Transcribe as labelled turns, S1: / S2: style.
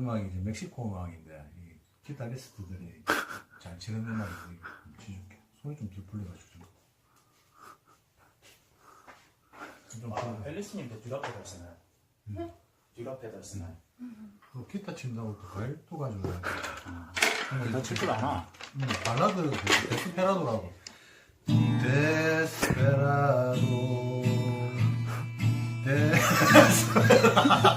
S1: 음악이 이제 멕시코 음악인데 이 기타리스트들이 잘 치는 음악인데 치줄게. 손이 좀 덜 풀려가지고 좀
S2: 앨리스님도 듀라 페달 쓰나요? 듀라 페달 쓰나요?
S1: 또 기타 친다고 또 과일도 가져와야 돼.
S2: 나 칠 줄 아나.
S1: 발라드 데스페라도라고. 데스페라도 데스페라도